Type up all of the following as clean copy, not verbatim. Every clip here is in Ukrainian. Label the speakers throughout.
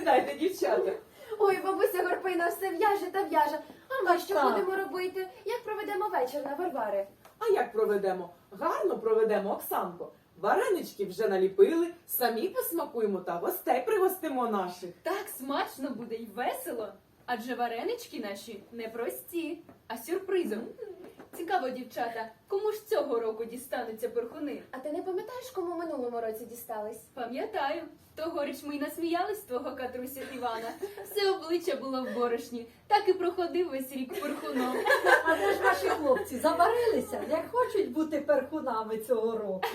Speaker 1: Сідайте, дівчата.
Speaker 2: Ой, бабуся Горпина все в'яже та в'яже. А ми що
Speaker 3: Так.
Speaker 2: будемо робити? Як проведемо вечір на Варвари?
Speaker 1: А як проведемо? Гарно проведемо, Оксанко. Варенички вже наліпили, самі посмакуємо та гостей пригостимо наших.
Speaker 4: Так смачно буде й весело. Адже варенички наші не прості, а сюрпризом. Цікаво, дівчата, кому ж цього року дістануться перхуни?
Speaker 2: А ти не пам'ятаєш, кому минулому році дістались?
Speaker 4: Пам'ятаю, тогоріч ми й насміялись з твого Катрусю Івана. Все обличчя було в борошні, так і проходив весь рік перхуном.
Speaker 3: А де ж ваші хлопці заварилися, як хочуть бути перхунами цього року?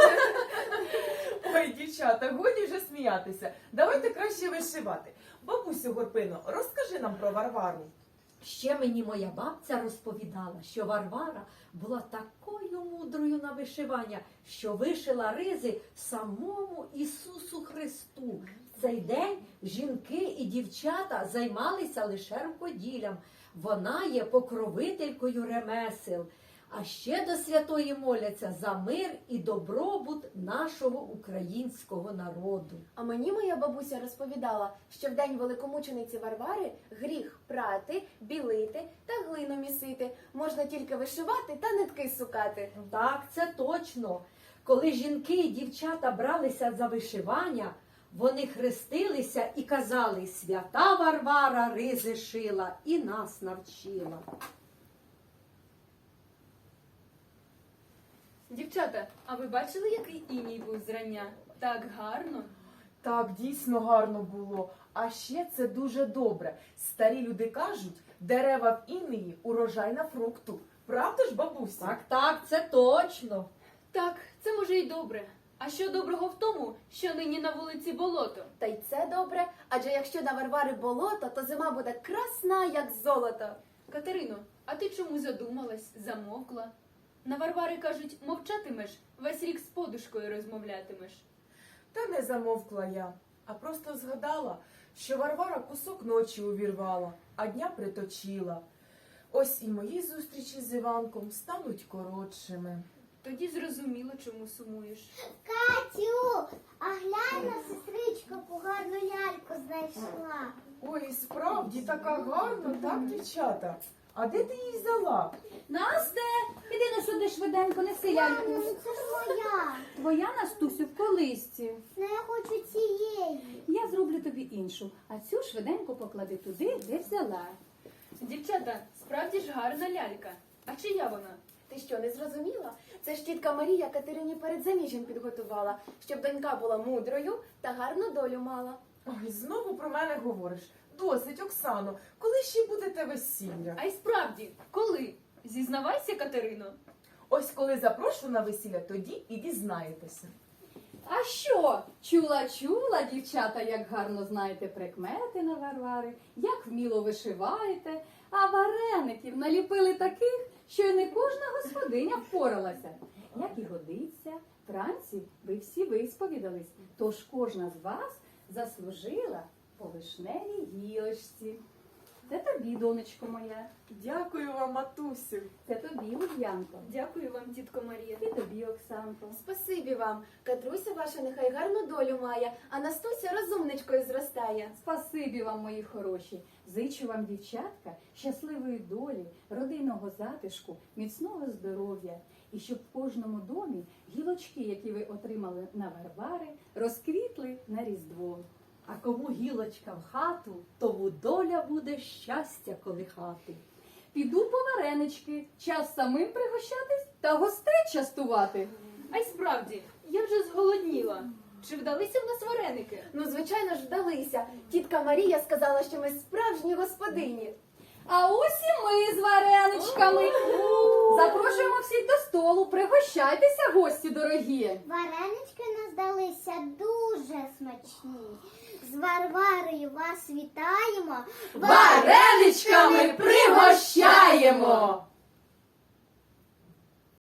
Speaker 1: Ой, дівчата, годі вже сміятися. Давайте краще вишивати. Бабусю Горпино, розкажи нам про Варвару.
Speaker 3: Ще мені моя бабця розповідала, що Варвара була такою мудрою на вишивання, що вишила ризи самому Ісусу Христу. В цей день жінки і дівчата займалися лише рукоділлям. Вона є покровителькою ремесел. А ще до святої моляться за мир і добробут нашого українського народу.
Speaker 2: А мені моя бабуся розповідала, що в день великомучениці Варвари гріх прати, білити та глину місити. Можна тільки вишивати та нитки сукати.
Speaker 3: Так, це точно. Коли жінки і дівчата бралися за вишивання, вони хрестилися і казали: «Свята Варвара ризи шила і нас навчила».
Speaker 4: Дівчата, а ви бачили, який іній був зрання? Так гарно.
Speaker 1: Так, дійсно гарно було. А ще це дуже добре. Старі люди кажуть, дерева в інеї – урожай на фрукту. Правда ж, бабуся?
Speaker 3: Так, так, це точно.
Speaker 4: Так, це може й добре. А що доброго в тому, що нині на вулиці болото?
Speaker 2: Та й це добре, адже якщо на Варвари болото, то зима буде красна, як золото.
Speaker 4: Катерино, а ти чому задумалась, замовкла? На Варвари кажуть, мовчатимеш, весь рік з подушкою розмовлятимеш.
Speaker 1: Та не замовкла я, а просто згадала, що Варвара кусок ночі увірвала, а дня приточила. Ось і мої зустрічі з Іванком стануть коротшими.
Speaker 4: Тоді зрозуміло, чому сумуєш.
Speaker 5: Катю, а глянь на сестричку, яку гарну ляльку знайшла.
Speaker 1: Ой, і справді така гарна, так, дівчата? А де ти її взяла?
Speaker 6: Насте, іди на сюди швиденько, неси ляльку.
Speaker 5: Мамо, ну це ж моя.
Speaker 6: Твоя, Настусю, в колисці.
Speaker 5: Ну я хочу цієї.
Speaker 6: Я зроблю тобі іншу, а цю швиденько поклади туди, де взяла.
Speaker 4: Дівчата, справді ж гарна лялька. А чия вона?
Speaker 2: Ти що, не зрозуміла? Це ж тітка Марія Катерині перед заміжжям підготувала, щоб донька була мудрою та гарну долю мала.
Speaker 1: Ой, знову про мене говориш. Досить, Оксано, коли ще будете весілля?
Speaker 4: А й справді, коли? Зізнавайся, Катерино.
Speaker 1: Ось коли запрошу на весілля, тоді і дізнаєтеся.
Speaker 6: А що? Чула, дівчата, як гарно знаєте прикмети на Варвари, як вміло вишиваєте, а вареників наліпили таких, що й не кожна господиня впоралася. Як і годиться, вранці ви всі висповідались, тож кожна з вас заслужила по вишневій гілочці. Це тобі, донечко моя,
Speaker 1: Дякую вам, матусю.
Speaker 6: це тобі, Ульянко,
Speaker 4: Дякую вам, тітко Марія.
Speaker 6: і тобі, Оксанко.
Speaker 2: Спасибі вам. Катруся ваша нехай гарну долю має, а Настуся розумничкою зростає.
Speaker 6: Спасибі вам, мої хороші. Зичу вам, дівчатка, щасливої долі, родинного затишку, міцного здоров'я. І щоб в кожному домі гілочки, які ви отримали на Варвари, розквітли на Різдво.
Speaker 3: А кому гілочка в хату, тому доля буде щастя колихати.
Speaker 6: Піду по варенички, час самим пригощатись та гостей частувати.
Speaker 4: А й справді, я вже зголодніла. Чи вдалися в нас вареники?
Speaker 2: Ну, звичайно ж, вдалися. Тітка Марія сказала, що ми справжні господині.
Speaker 6: А ось і ми з вареничками. Запрошуємо всіх до столу, пригощайтеся, гості дорогі.
Speaker 5: Варенички нас здалися дуже смачні. З Варварою вас вітаємо.
Speaker 6: Вареничками пригощаємо!